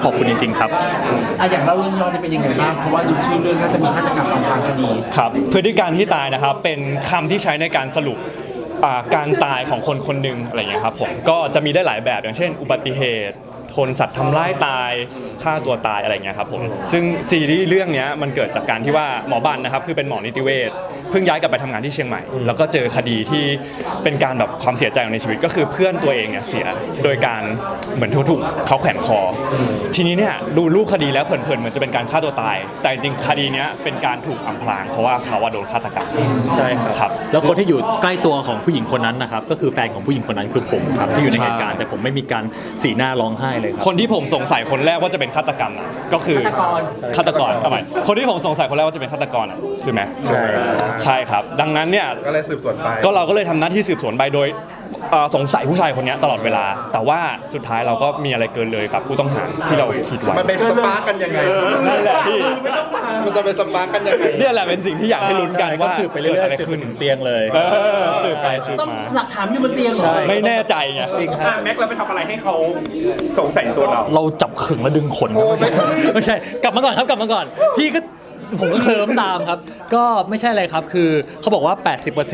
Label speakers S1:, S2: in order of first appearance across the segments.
S1: ขอบคุณจริงๆครับ
S2: อย่างเล่าเรื่องย่อจะเป็นยังไงบ้างเพราะว่าดูชื่อเรื่องน่าจะมีฆาตกรรมอำพรางคดี
S3: ครับพฤติการที่ตายนะครับเป็นคำที่ใช้ในการสรุปการตายของคนคนหนึ่งอะไรอย่างเงี้ยครับผมก็จะมีได้หลายแบบอย่างเช่นอุบัติเหตุทนสัตว์ทำร้ายตายฆ่าตัวตายอะไรเงี้ยครับผมซึ่งซีรีส์เรื่องนี้มันเกิดจากการที่ว่าหมอบันนะครับคือเป็นหมอนิติเวชเพิ่งย้ายกลับไปทำงานที่เชียงใหม่แล้วก็เจอคดีที่เป็นการแบบความเสียใจในชีวิตก็คือเพื่อนตัวเองเนี่ยเสียโดยการเหมือนถูกเขาแขวนคอทีนี้เนี่ยดูรูปคดีแล้วเผินๆเหมือนจะเป็นการฆ่าตัวตายแต่จริงๆคดีนี้เป็นการถูกอำพรางเพราะว่าเขาโดนฆาตกรรม
S1: ใช่ครับแล้วคนที่อยู่ใกล้ตัวของผู้หญิงคนนั้นนะครับก็คือแฟนของผู้หญิงคนนั้นคือผมครับที่อยู่ในเหตุการณ์แต่ผมไม่มีการสีหน้าร้องไห้เลยครับ
S3: คนที่ผมสงสัยคนแรกว่าจะเป็นฆาตกรรมก็คือฆาตกรทำไมคนที่ผมสงสัยคนแรกว่าจะเป็นฆาตกรคือไหมใช่ครับดังนั้นเนี่ย
S4: ก็เลยสืบสวนไป
S3: ก็เราก็เลยทำหน้าที่สืบสวนไปโดยสงสัยผู้ชายคนนี้ตลอดเวลาแต่ว่าสุดท้ายเราก็มีอะไรเกินเลยกับผู้ต้องหาที่เราคิดไว้
S4: มันเป็นสปาร์กกันยังไง
S3: นั่นแหละพี่
S4: มันจะเป็นสปาร์กกันยังไง
S3: เนี่ยแหละเป็นสิ่งที่อยากให้ลุ้นกันว่า
S1: สืบไปเรื่อยๆขึ้นถึงเตียงเลย
S3: สืบไปสืบมา
S2: หลักฐานอยู่บนเตียงเหรอ
S3: ไม่แน่ใจไง
S1: จริงครับ
S5: แม็กเราไปทำอะไรให้เขาสงสัยตัว
S1: เราจับขึงและดึงขนไม่ใช่กลับมาก่อนครับกลับมาก่อนพี่ก็ผมก็เคลิ้มตามครับก็ไม่ใช่อะไรครับคือเขาบอกว่า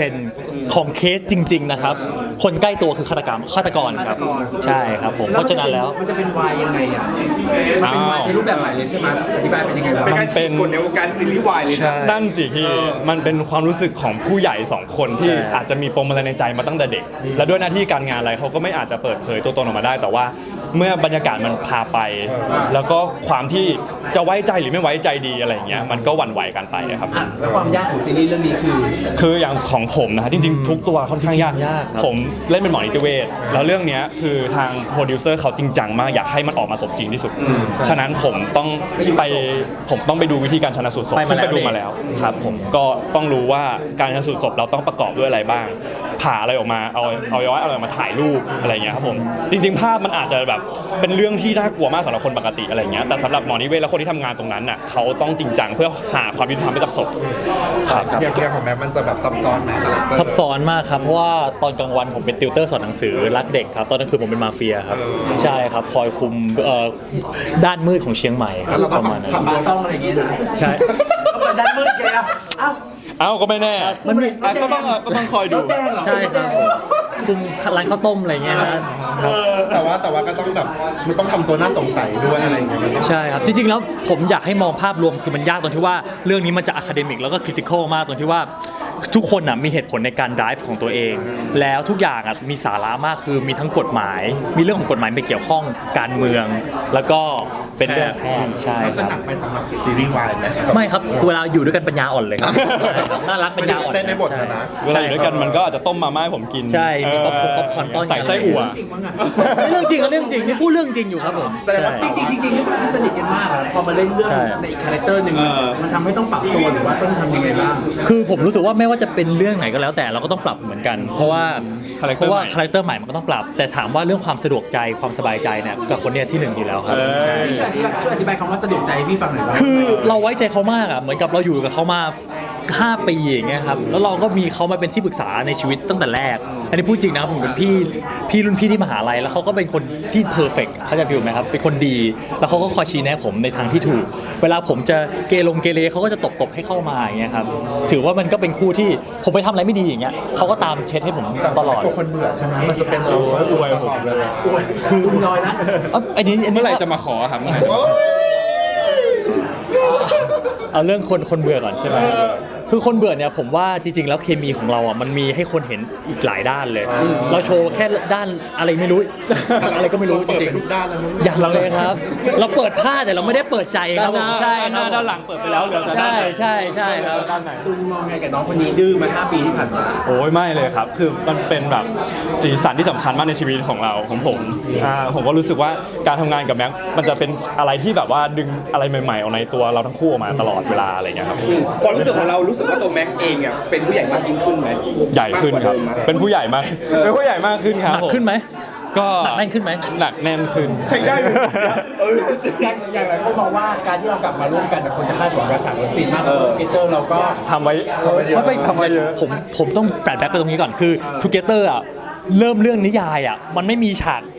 S1: 80% ของเคสจริงๆนะครับคนใกล้ตัวคือฆาตกรครับใช่ครับผมเพราะฉะนั้นแล้ว
S2: มันจะเป็นวายยังไงอ่ะมันเป็นวายในรูปแบบใหม่เลยใช่ไหมอธิบายเป็นยังไงบ้าง
S5: เป็นการกดในวงการซีรีส์วายเลย
S3: นั่นสิพี่มันเป็นความรู้สึกของผู้ใหญ่2คนที่อาจจะมีปมอะไรในใจมาตั้งแต่เด็กและด้วยหน้าที่การงานอะไรเขาก็ไม่อาจจะเปิดเผยตัวตนออกมาได้แต่ว่าเมื่อบรรยากาศมันพาไปแล้วก็ความที่จะไว้ใจหรือไม่ไว้ใจดีอะไรอย่างเงี้ยมันก็หวั่นไหวกันไปครับ
S2: แล้วความยากของซีรีส์เรื่องนี้
S3: คืออย่างของผมนะจริงๆทุกตัวค่อนข้างยากผมเล่นเป็นหมอนิติเวชแล้วเรื่องนี้คือทางโปรดิวเซอร์เขาจริงจังมากอยากให้มันออกมาสมจริงที่สุดฉะนั้นผมต้องไปดูวิธีการชันสูตรศพซึ่งไปดูมาแล้วครับผมก็ต้องรู้ว่าการชันสูตรศพเราต้องประกอบด้วยอะไรบ้างผ่าอะไรออกมาเอาย้อยอะไรมาถ่ายรูปอะไรเงี้ยครับผมจริงๆภาพมันอาจจะแบบเป็นเรื่องที่น่ากลัวมากสำหรับคนปกติอะไรเงี้ยแต่สำหรับหมอนิติเวชและคนที่ทำงานตรงนั้นน่ะเขาต้องจริงจังเพื่อหาความยุติธรรมให้กับศพ
S4: ครับอย่างของแม็กมันจะแบบซับซ้อนไหม
S1: ซับซ้อนมากครับเพราะว่าตอนกลางวันผมเป็นติวเตอร์สอนหนังสือรักเด็กครับตอนกลางคืนผมเป็นมาเฟียครับใช่ครับคอยคุมด้านมืดของเชียงใหม่ประมาณนั้น
S2: ทำบาซ่องอะไรอย่างเงี้ย
S1: ใช่
S2: ก็ด้านมืดแก
S3: ก็ไม่แน่
S1: มัน
S3: ก็ต้องคอยดู
S1: ใช่ครับคุมร้านข้าวต้มอะไรเงี้ยนะ
S4: แต่ว่าก็ต้องแบบมันต้องทำตัวน่าสงสัยด้วยอะไรอย่างเงี้ย
S1: ใช่ครับจริงๆแล้วผมอยากให้มองภาพรวมคือมันยากตรงที่ว่าเรื่องนี้มันจะอะคาเดมิกแล้วก็คริติคอลมากตรงที่ว่าทุกคนมีเหตุผลในการ drive ของตัวเองแล้วทุกอย่างมีสาระมากคือมีทั้งกฎหมายมีเรื่องของกฎหมายไปเกี่ยวข้องการเมืองแล้วก็เป็นเรื่องแพทย์ใช่
S4: ครับจะหนักไปสำหรับซีรีส์วายไหม
S1: ไม่ครับเวลาอยู่ด้วยกันปัญญาอ่อนเลยครับน่ารักปัญญาอ่อน
S4: ในบทนะ
S3: เวลาอยู่ด้วยกันมันก็อาจจะต้มมาม่าให้ผมกิน
S1: ใช่มีป๊อปคอร์นป้อน
S3: ใส่ไส้อั่ว
S1: เรื่องจริงนี่พูดเรื่องจริงอยู่ครับผม
S2: แสดงว่าจริงด้วยความที่สนิทกันมากพอมาเล่นเรื่องในอีกคาแรคเตอร์หนึ่งมันทำให้ต้องปรับตัวหรือว่าต้องทำยังไงบ้าง
S1: คือผมรู้สึกว่าไม่ว่าจะเป็นเรื่องไหนก็แล้วแต่เราก็ต้องปรับเหมือนกันเพราะว่าคาแรคเตอร์ใหม่มันก็ต้องปรับแต่ถามว่าเรื่องความสะดวกใจความสบายใจเนี่ยกับคนเนี้ยที่1อยู่แล้วครับ
S2: ช่วยอธิบายคำว่าสะดวกใจให้พี่ฟังหน่อย
S1: คือเราไว้ใจเขามากเหมือนกับเราอยู่กับเขามา5 ปีอย่างเงี้ยครับแล้วเราก็มีเขามาเป็นที่ปรึกษาในชีวิตตั้งแต่แรกอันนี้พูดจริงนะผมเป็นพี่รุ่นพี่ที่มหาลัยแล้วเขาก็เป็นคนที่เพอร์เฟกต์เขาจะฟีลไหมครับเป็นคนดีแล้วเขาก็คอยชี้แนะผมในทางที่ถูกเวลาผมจะเกเรเขาก็จะตบให้เข้ามาอย่างเงี้ยครับถือว่ามันก็เป็นคู่ที่ผมไปทำอะไรไม่ดีอย่างเงี้ยเขาก็ตามเช็ดให้ผมตลอด
S4: ตัวคนเบื่อใช่ไหมมันจะเป็นเราอวยผม
S2: คือน้อยนะ
S1: อันนี้
S3: เมื่อไหร่จะมาขอครับ
S1: เอาเรื่องคนเบื่อก่อนใช่ไหมคือคนเบื่อเนี่ยผมว่าจริงๆแล้วเคมีของเรามันมีให้คนเห็นอีกหลายด้านเลยเราโชว์แค่ด้านอะไรไม่รู้อะไรก็ไม่รู้จริงๆอย่างเราเลยครับเราเปิดผ้าแต่เราไม่ได้เปิดใจครับใช่ครับ
S3: ด้านหลังเปิดไปแล้วเหลือแต่
S1: ใช่ครับ
S3: ด้านไหน
S2: ตูนมองไงกับน้องคนนี้ดื้อมา5 ปีที่ผ่านมา
S3: โอ้ยไม่เลยครับคือมันเป็นแบบสีสันที่สำคัญมากในชีวิตของผมก็รู้สึกว่าการทำงานกับแม็กมันจะเป็นอะไรที่แบบว่าดึงอะไรใหม่ๆออกในตัวเราทั้งคู่ออกมาตลอดเวลาอะไรเงี้ยครับ
S5: ความรู้สึกของเรารู้สึกว่าตัวแม็กเองเป็นผู้ใหญ่มากยิ่งขึ้นไหม
S3: ใหญ่ขึ้นครับเป็นผู้ใหญ่มากขึ้นครับ
S1: หนักขึ้นไหม
S3: ก็
S1: หนักแน่นขึ้นไหม
S3: หนักแน่นขึ้น
S5: ใช่ได้
S2: อย่างไรเขาบอกว่าการที่เรากลับมาร่วมกันคนจะคาดหวังกับฉากซีนมากทูเกเตอร์เราก็
S3: ทำไว้เยอะ
S1: ผมต้องแปลแบ็คไปตรงนี้ก่อนคือทูเกเตอร์เริ่มเรื่องนิยายมันไม่มีฉาก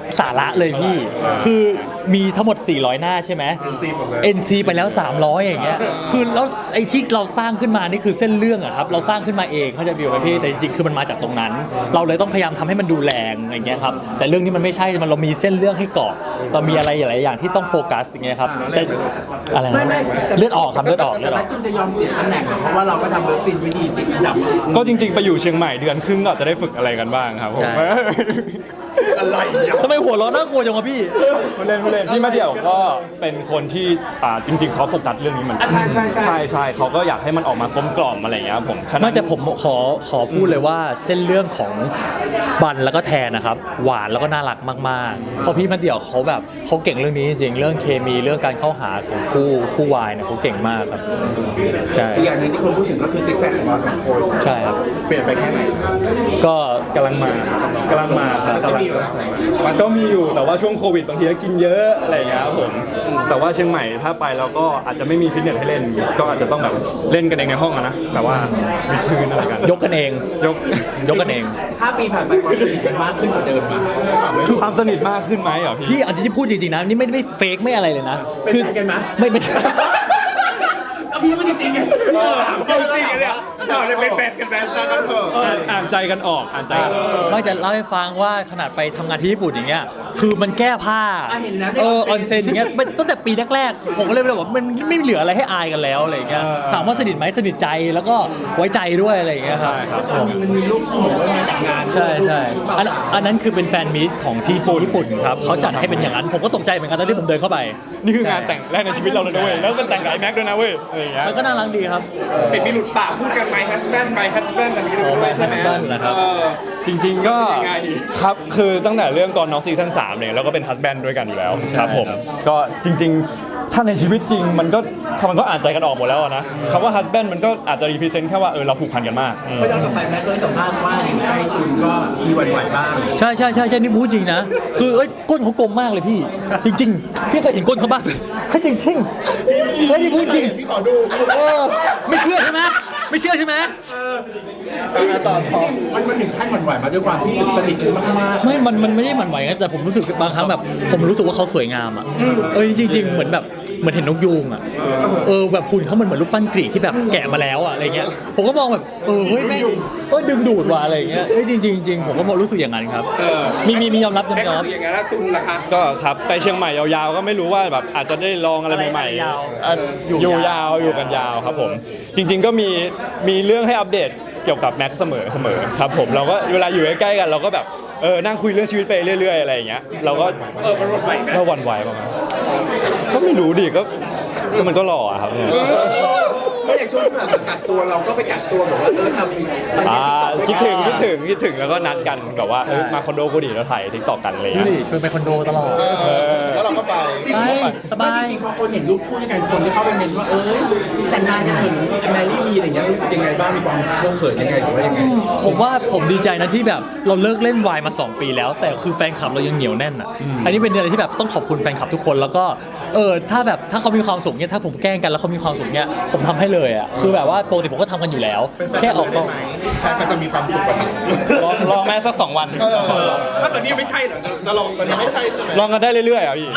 S1: สาระเลยพี่ คือมีทั้งหมด400หน้าใช่ไหม
S4: NC หมดเลย
S1: NC ไปแล้ว300อย่างเงี้ยคือแล้วไอ้ที่เราสร้างขึ้นมานี่คือเส้นเรื่องอะครับเราสร้างขึ้นมาเองเขาใจฟิวไหมพี่แต่จริงๆคือมันมาจากตรงนั้น เราเลยต้องพยายามทำให้มันดูแรงอย่างเงี้ยครับแต่เรื่องนี้มันไม่ใช่มันเรามีเส้นเรื่องให้เกาะเรามีอะไรหลายๆอย่างที่ต้องโฟกัสอย่างเงี้ยครับแต่อะไรนะเลือดออกครับเลือดออกเลือดอ
S2: แล้
S1: อ
S2: ว
S1: ก
S2: คุณจะยอมเสียตำแหน่งเหรอเพราะว่าเราก็ทำเลิฟซีนวิธีติดอันดับ
S3: ก็จริงๆไปอยู่เชียงใหม่เดือนครึ่งก็อาจจะได้ฝึกอะไรกันบ้างครับผม
S1: ใช่ ทำไมหัวเร้อนน่ากลัวจังวะพี่
S3: ผู้เล่นพี่มาเดี่ยวก็เป็นคนที่จริงๆเขาโฟกัสเรื่องนี้เหมือนกัน
S2: ใช่ใช่ใช่
S3: ใช่เขาก็อยากให้มันออกมากลมกล่อมอะไรอย่างเงี้ยครับผมฉะนั้
S1: ไม่
S3: น
S1: แต่ผมขอพูดเลยว่าเส้นเรื่องของบันแล้วก็แทนนะครับ หวานแล้วก็น่ารักมากๆเพราะพี่มาเดี่ยวเขาแบบเขาเก่งเรื่องนี้จริงเรื่องเคมีเรื่องการเข้าหาของคู่วายเนี่ยเขาเก่งมากครับใช่
S2: อีกอย่างหนึงที่คนพูดถึงก็คือซิกแพคของเราสองคน
S1: ใช่ครับ
S4: เปลี่ยนไปแค่ไหน
S1: ก็
S3: กำลังมาครับ
S4: ไม่ใช่มีอยู่แล้ว
S3: ก็มีอยู่แต่ว่าช่วงโควิดบางทีก็กินเยอะอะไรอย่างเงี้ยครับผมแต่ว่าเชียงใหม่ถ้าไปเราก็อาจจะไม่มีฟิตเนสให้เล่น ก็อาจจะต้องแบบเล่นกันเองในห้องอะนะแต่ว่ามีพื้นอะไรกัน
S1: ยกกันเอง
S3: ยก
S1: ยกกันเอง
S2: 5 ปีผ่านไปความสนิทกันมากขึ้นกว่าเดิมมั้ย
S3: ความสนิทมากขึ้นไหมเหรอพี่
S1: พี่อันที่พูดจริงๆนะนี่ไม่เฟกไม่อะไรเลยนะ
S2: เป็นแฟนกันมั้ย
S1: ไม่
S2: เอาพี่มันจริงๆไง
S4: จริงๆเนี่ยเราจะเป็นแฟนกันกันเถอะ
S3: อ่านใจกันออกอ่านใจกันออก
S1: ไม่จะเล่าให้ฟังว่าขนาดไปทำงานที่ญี่ปุ่นอย่างเงี้ยคือมันแก้ผ้า
S2: เห็นแล้ว
S1: ออนเซ็นอย่างเงี้ยตั้งแต่ปีแรกๆผมก็เลยแบบว่ามันไม่เหลืออะไรให้อายกันแล้วอะไรอย่างเงี้ยถามว่าสนิทไหมสนิทใจแล้วก็ไว้ใจด้วยอะไรอย่างเงี้ยครับ
S3: ใช่ครับ
S2: มันมีลูกคู่ว่ามาจากงาน
S1: ใช่อันนั้นคือเป็นแฟนมีตของที่ญี่ปุ่นครับเขาจัดให้เป็นอย่างนั้นผมก็ตกใจเหมือนกันตอนที่ผมเดินเข้าไป
S3: นี่คืองานแต่งแรกในชีวิตเราเลยนะเว้ยแล้วเป็นแต่งกับไอ้แม็กด้วยนะเว้ยอะไรอย่างเงี้ย
S1: มันก็น่ารักดีครับ
S5: เป็นมีหลุดปากพูดกันไหมฮัสแบนอันนี้
S1: โอ้
S5: ด้วย
S1: my
S5: ใช่ไหม
S1: husband นะครับ
S3: จริงๆก็
S5: ยังไง
S3: ครับคือตั้งแต่เรื่องก่อนน้องซีซั่น3เนี่ยเราก็เป็นฮัสแบนด์ด้วยกันอยู่แล้วครับผมก็จริงๆ ถ้าในชีวิตจริงมันก็อ่านใจกันออกหมดแล้วอะนะคำว่าฮัสแบนด์มันก็อาจจะรีพรีเซนต์แค่ว่าเราผูกพันกันมาก
S2: เพราะย้อนกลับไปแม่เคยสัมภาษณ์ว่าไอ้ตุนก็มีหวั่นไหวบ้าง
S1: ใช่นี่พูดจริงนะ คือก้นเขากลมมากเลยพี่ จริงๆ พี่เคยเห็นก้นเขาบ้างเขาจริงๆนี่พูดจริง
S4: พี่ขอดู
S1: ไม่เชื่อใช่ไหมไม่เชื่อใช่ไหม
S4: ต่อท้อง
S2: มันถึงขั้นหวั่นไหวมาด้วยความที่สนิทกันมาก
S1: ไม่มันไม่ได้หมั่นไหวนะแต่ผมรู้สึกบางครั้งแบบผมรู้สึกว่าเขาสวยงามอ่ะจริงๆเหมือนแบบเหมือนเห็นนกยูงอ่ะแบบหุ่นเขาเหมือนรูปปั้นกรีกที่แบบแกะมาแล้วอ่ะอะไรเงี้ยผมก็มองแบบเฮ้ยแม่งดึงดูดว่ะอะไรเงี้ยจริงผมก็รู้สึกอย่างนั้นครับมียอมรับ
S5: แม็กซ์รู้สึกอย่างนั้นแล้วตุนล่ะคะ
S3: ก็ครับไปเชียงใหม่ยาวๆก็ไม่รู้ว่าแบบอาจจะได้ลองอะไรใหม่
S1: อะไรยาว
S3: ๆอยู่ยาวอยู่กันยาวครับผมจริง ๆก็มีเรื่องให้อัปเดตเกี่ยวกับแม็กซ์เสมอครับผมเราก็เวลาอยู่ใกล้ๆกันเราก็แบบนั่งคุยเรื่องชีวิตไปเรื่อยๆอะไรอย่างเงี้ยเราก็
S5: มันหวั่นไหวไหม
S3: ก็หวั่นไหวประมาณก็ไม่รู้ดิก็มันก็หล่ออะครับ
S2: ๆไม่อย่างช่วงที่แบบกักตัวเราก็ไปกักตัวแบบว่าทำ
S3: คิดถึงแล้วก็นัดกันแบบว่ามาคอนโดกูดิแล้วถ่ายทิกตอกกันอะไร
S1: ดู
S3: เงี้ย
S1: ดิชวนไปคอนโดตลอด
S4: แล้วเราก็ไป
S2: จริงๆ
S1: สบาย
S2: จริงๆพอคนเห็นรูปคู่ด้วยกันคนที่เข้าไปเมนว่าแต่งงานกันเถอะหรือมีแมรี่มีอะไรอย่างเงี้ยรู้สึกยังไงบ้างมีความเคอะเขินยังไงหรือว่ายังไง
S1: ผมว่าผมดีใจนะที่แบบเราเลิกเล่นวายมา 2 ปีแล้ว แต่คือแฟนคลับเรายังเหนียวแน่นอ่ะอันนี้เป็นอะไรที่แบบต้องขอบคุณแฟนคลับทุกคนแล้วก็ถ้าเขามีความสุขเนี่ยถ้าผมแกล้งกันแล้วเขามีความสุขเนี่ยผมทำให้เลยอ่ะคือแบบว่าปกติผมก็ทำกันอยู่แล้ว
S4: เป็นแฟน
S1: แค่
S4: กัน
S1: ออก
S4: ได้ไหมแฟนกันจะมีความสุขกว่านี้
S3: ลองแม่สัก2 วัน
S5: แล้วตอนนี้ไม่ใช่เหรอจะลอง
S4: ตอนนี้ไม่ใช่ใช่ไหม
S3: ลองกันได้เรื่อยๆอ่ะพี่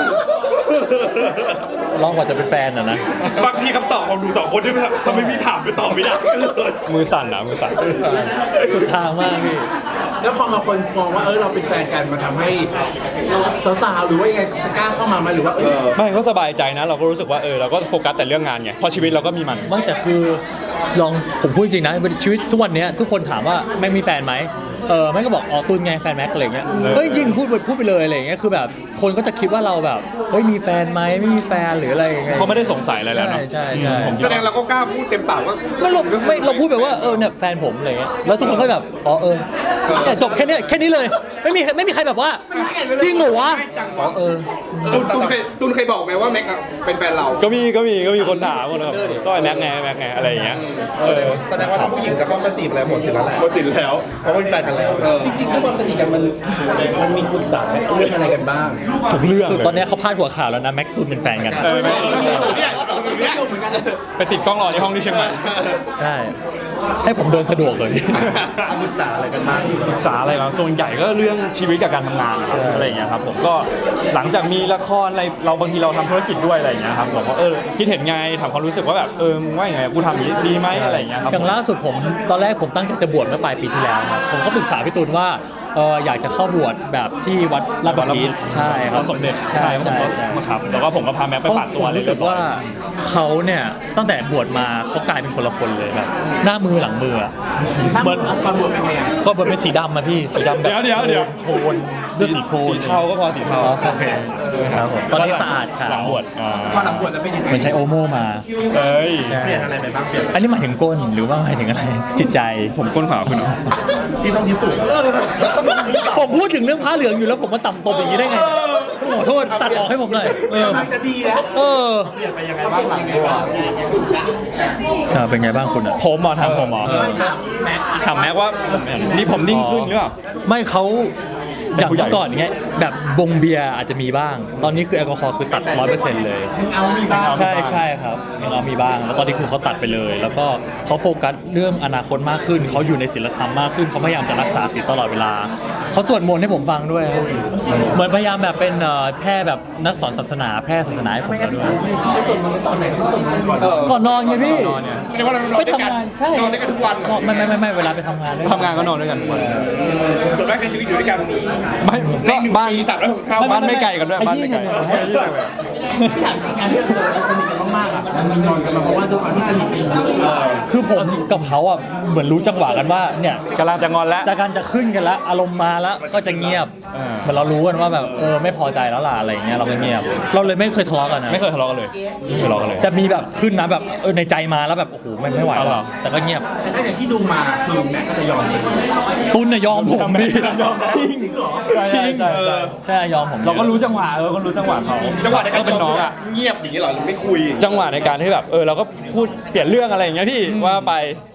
S1: ลองกว่าจะเป็นแฟนอ่ะนะ
S5: บางทีคำตอบของดู2 คนที่ทำไมมีถามไปตอบไม่ได้กันเลย
S3: มือสั่นมือสั่น
S1: สุดทางมากพี่
S2: แล้วพอมาคนมองว่าเราเป็นแฟนกันมาทำให้สาวๆหรือว่ายังไงจะกล้าเข้ามาไหมหรือว่า
S3: ไม่ก็สบายใจนะเราก็รู้สึกว่าเราก็โฟกัสแต่เรื่องงานไงเพราะชีวิตเราก็มีมัน
S1: ไม่แต่คือผมพูดจริงนะชีวิตทุกวันนี้ทุกคนถามว่าแม่งมีแฟนไหมแม่งก็บอกตุนไงแฟนแม็กอะไรเงี้ยเฮ้ยจริงพูดไปเลยอะไรเงี้ยคือแบบคนก็จะคิดว่าเราแบบเฮ้ยมีแฟนไหมไม่มีแฟนหรืออะไรยังไง
S3: เขาไม่ได้สงสัยอะไรแล้วเนาะ
S1: ใช่
S5: แสดงเราก็กล้าพูดเต็มปากว่า
S1: เราพูดแบบว่าเนี่ยแฟนผมอะไรเงี้ยแล้วทุกคนก็แบบแต่จบแค่นี้เลยไม่มีใครแบบว่าจริงเหรอวะ
S5: ตุนเคยบอกไหมว่าแม็กซ์เป็นแฟนเรา
S3: ก็มีคนถามหมดครับก็แม็กไงอะไรอย่างเงี้ย
S4: แสดงว่าถ้าผู้หญิงจะเข้ามาจีบแล้วหมดสิทธิ์แล้วแหละ
S5: หมดสิทธิ์แล้ว
S4: เพราะว่าเป็นแฟนกันแล้ว
S2: จริงๆด้วยความสนิทกันมันมีปรึกษาเรื่องอะไรกันบ้าง
S3: ทุกเรื่อง
S1: คือ
S3: เลย
S1: ตอนนี้เขาพาดหัวข่าวแล้วนะแม็กตุนเป็นแฟนกัน
S5: เนี่ย
S3: ไปติดกล้องรอในห้องที่เชียงใหม่
S1: ใช่ให้ผมเดินสะดวกเลย
S4: ปรึกษาอะไรกันบ้าง
S3: ปรึกษาอะไรบ้างส่วนใหญ่ก็เรื่องชีวิตกับการทำงานนะครับอะไรอย่างเงี้ยครับผมก็หลังจากมีละครอะไรเราบางทีเราทำธุรกิจด้วยอะไรอย่างเงี้ยครับผมว่าคิดเห็นไงถามความรู้สึกว่าแบบมึงว่าอย่างไงกูทำอย่างนี้ดีไหมอะไรอย่างเงี้ยครับ
S1: อย่างล่าสุดผมตอนแรกผมตั้งใจจะบวชเมื่อปลายปีที่แล้วครับผมก็ปรึกษาพี่ตูนว่าอยากจะเข้าบวชแบบที่วัดลาดบัวใช่ครับ
S3: สมเด็จ
S1: ใช่ใช่
S3: ผมก็ครับแล้วก็ผมก็พาแม็กไปฝากตัว
S1: ผมรู้สึกว่าเขาเนี่ยตั้งแต่บวชมาเขากลายเป็นคนละคนเลยแบบหน้ามือหลังมืออะ
S2: เหมือนตอนบวชเป็นไงอ่ะ
S1: ก็บวชเป็นสีดำมาพี่สีดำแบบ
S3: เดี๋ยว
S1: โคลนเลือดสีโคลน
S3: สีเทาก็พอสีเทา
S1: อ๋อโอเคครับผมตอนนี้สะอาดค่ะ
S3: หลังบวช
S2: พอหลังบวชแล้วเป็นยังไง
S1: เหมือนใช้โอโม่มา
S3: เอ้ย
S4: เปลี่ยนอะไรไปบ้างเปลี่ยน
S1: อันนี้หมายถึงก้นหรือว่าหมายถึงอะไรจิตใจ
S3: ผมก้นขาวคุณเหรอ
S4: ที่ต้องพิสูจน์
S1: ผมพูดถึงเรื่องผ้าเหลืองอยู่แล้วผมมาต่ำตบอย่างนี้ได้ไงขอโทษตัดออกให้ผมหน่อย
S2: มันจะดีแล้ว
S1: เออ
S4: เปลี่ยนไปยังไงบ้างหลังบวช
S1: เป็นไงบ้างคุณอ่ะ
S3: ผมเหรอทำผมเหรอ
S2: ไม่ถามแม็กซ์
S3: ถามแม็กว่านี่ผมนิ่งขึ้นหรือเปล่า
S1: ไม่เขา
S3: เป็
S1: อน ย่าง
S3: ผู้ใหญ่
S1: เมื่อก่อนเงี้ยแบบบงเบียร์อาจจะมีบ้าง ตอนนี้คือแอลกอฮอล์คือตัด 100%เลย
S2: เอามีบ้าง
S1: ใช่ใช่ครับยังเอามีบ้าง แล้วตอนนี้คือเขาตัดไปเลย แล้วก็เขาโฟกัสเรื่องอนาคตมากขึ้นเขาอยู่ในศีลธรรมมากขึ้นเขาพยายามจะรักษาศีลตลอดเวลาเขาสวดมนต์ให้ผมฟังด้วยครับเหมือนพยายามแบบเป็นแพร่แบบนักสอนศาสนาแพร่ศาสนาให้ผมแล้วด้วย
S2: ไปส่งมันตอนไหนก็ส่งมันก่อน
S1: ก่อนนอนไงพี่
S5: แสดงว่าเรานอน
S1: ไป
S5: ด้วยกัน
S1: ทำงานใช่
S5: นอนด้วยกันทุกวัน
S1: ไม่เวลาไปทำงานด้วย
S3: ทำงานก็นอนด้วยกันทุกวัน
S5: ส่วนมากใช้ชีวิตอยู่ด้วยกัน
S3: ไม่ก็บ้าน
S5: ปี365
S3: บ้านไม่ไกลกันด้วยบ้านไม่ไกล
S2: ที่ถามจริงการที่เราสนิทกันมากๆอ่ะมันมีนอนกันมาเพราะว่าด้วยความที่สนิทกันเยอะ
S1: คือผมกับเขาอ่ะเหมือนรู้จังหวะกันว่าเนี่ย
S3: กำลังจะงอนแล้ว
S1: จากการจะขึ้นกันแล้วอารมณ์มาแล้วก็จะเงียบ
S3: เออ
S1: เหมือนเรารู้กันว่าแบบไม่พอใจแล้วล่ะอะไรอย่างเงี้ยเราก็เงียบ เราเลยไม่เคยทะเลาะกันนะ
S3: ไม่เคยทะเลาะกันเลยไม่เคยทะเลาะกันเลย
S1: จะมีแบบขึ้นนะแบบในใจมาแล้วแบบโอ้โหไม่ไหว
S3: เอาเหร
S1: แล้
S3: อ
S1: วแต่ก็เงียบ
S2: แต่ถ้าอย่างที่ดูมาคือแม็กก็จะยอมเลย
S1: ตุนน่ะยอมผมพี่
S3: ยอมจริง
S2: จริงเหรอ
S3: จริง
S1: ใช่ยอมผม
S3: เราก็รู้จังหวะก็รู้จังหวะเขา
S5: จังหวะในการ
S3: เป็นน้องอ่ะ
S5: เงียบอย่างนี้เหรอหรือไม่คุย
S3: จังหวะในการที่แบบเราก็พูดเปลี่ยนเรื่องอะไรอย่างเงี้ยพี่ว่าไป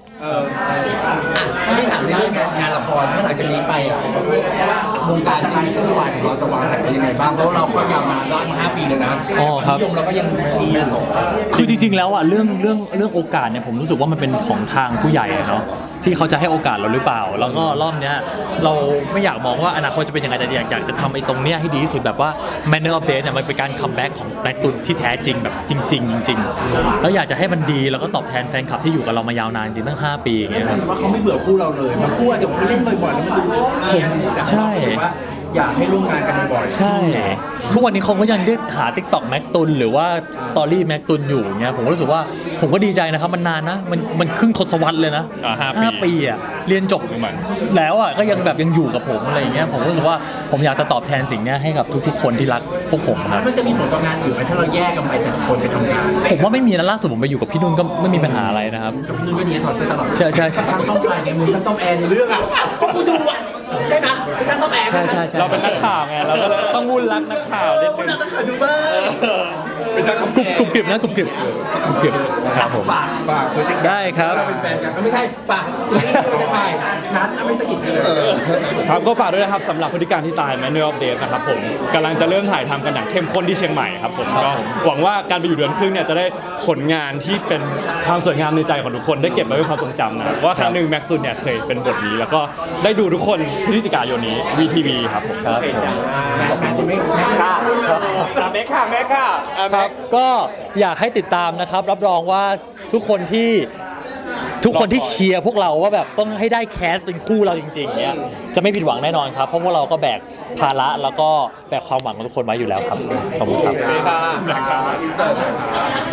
S2: ถ้าไม่ถามในเรื่องงานละครถ้าหลังจากนี้ไปอ่ะวงการชีวิตคู่วายของเราจะวางแผนไว้ยังไงบ้างเพราะเราก็ยาวมาได้มา5 ปีเลยนะนิยมเราก็ยังดีอยู่
S1: คือจริงๆแล้วอ่ะเรื่องโอกาสเนี่ยผมรู้สึกว่ามันเป็นของทางผู้ใหญ่อะเนาะที่เขาจะให้โอกาสเราหรือเปล่า แล้วก็รอบเนี้ยเราไม่อยากมองว่าอนาคตจะเป็นยังไงแต่อยากจะทำไอ้ตรงเนี้ยให้ดีที่สุดแบบว่า Manner of Death เนี่ยมันเป็นการคัมแบ็กของแบล็กตุนที่แท้จริงแบบจริงๆแล้วอยากจะให้มันดีแล้วก็ตอบแทนแฟนคลับที่อยู่กับเรามายาวนานจริงตั้ง5 ปีอย่างเงี้ย
S2: แส
S1: ครับ
S2: ดงว่าเขาไม่เบื่อคู่เราเลยบางคู่อาจจะเล่นบ่อยๆแล้วมันดูแต่เรารู้สึกว่าอยากให้ร่วมงานกันบ่อยๆ
S1: ใช่ ทุกวันนี้เขาก็ยังเรียกหา TikTok แม็กตุนหรือว่าสตอรี่แม็กตุนอยู่เงี้ยผมก็รู้สึกว่าผมก็ดีใจนะครับมันนานนะมันครึ่งทศวรรษเลยนะ 5 ปีอ่ะเรียนจบ
S3: เหมือน
S1: แล้วอ่ะก็ยังแบบยังอยู่กับผมอะไรอย่างเงี้ยผมก็รู้สึกว่าผมอยากจะตอบแทนสิ่งเนี้ยให้กับทุกๆคนที่รักพวกผมครับ
S2: มันจะมีผลต่องานอื่นไหมถ้าเราแยกกันไปแต่ละคนไปทำงาน
S1: ผมว่าไม่มีนะล่าสุดผมไปอยู่กับพี่นุ่นก็ไม่มีปัญหาอะไรนะครับ
S2: กับพี่นุ่นก็ดีถอดเสื้อตลอด
S1: ใช่ใช่
S2: ช่างซ่อมไฟไงมึงช่างซ่อมแอร์ในเรื่องอ่ะก็กูดูอ่ะใช่ไหมเป็นช่างซ่อมแอร์
S1: ใช่ใช่ใช่
S3: เราเป็นนักข่าวไงเราก็เลยต้องวุ่นรักนักข่าวนิด
S2: คุณ
S3: นึง
S2: น่าจะเคยดูบ้าง
S5: เป็นช่างคำ
S1: กรุบกริบนะกรุบกริบครับผม
S2: ฝาก
S4: ฝากพฤติกรรม
S1: ได้ครับ
S2: เราเป็นแฟนกันก็ไม่ใช่ฝากซีรีส์ที่เราจะถ่ายนัดไม่สะกิดกันเลย
S3: ครับก็ฝากด้วยนะครับสำหรับพฤติการที่ตาย Manner of Death นะครับผมกำลังจะเริ่มถ่ายทำกันอย่างเข้มข้นที่เชียงใหม่ครับผมก็หวังว่าการไปอยู่เดือนครึ่งเนี่ยจะได้ผลงานที่เป็นความสวยงามในใจของทุกคนได้เก็บไว้เป็นความทรงจำนะว่าครั้งหนึ่งแม็กตุนเนี่ยเคยเป็นบทนี้ แล้วก็ได้ดูทุกคนพฤศจิกายนนี้ VTV ครับผม
S1: ครับผม
S2: แม่จะไม่กล้า
S5: แม็กค่ะแม็กค่ะ
S1: ครับก็อยากให้ติดตามนะครับ รับรองว่าทุกคนที่เชียร์พวกเราว่าแบบต้องให้ได้แคสเป็นคู่เราจริงๆเนี้ยจะไม่ผิดหวังแน่นอนครับ เพราะพวกเราก็แบกภาระแล้วก็แบกความหวังของทุกคนไว้อยู่แล้วครับขอบคุณครับ
S5: ค่ะ
S4: อินเสิร์ตหน่อยครับ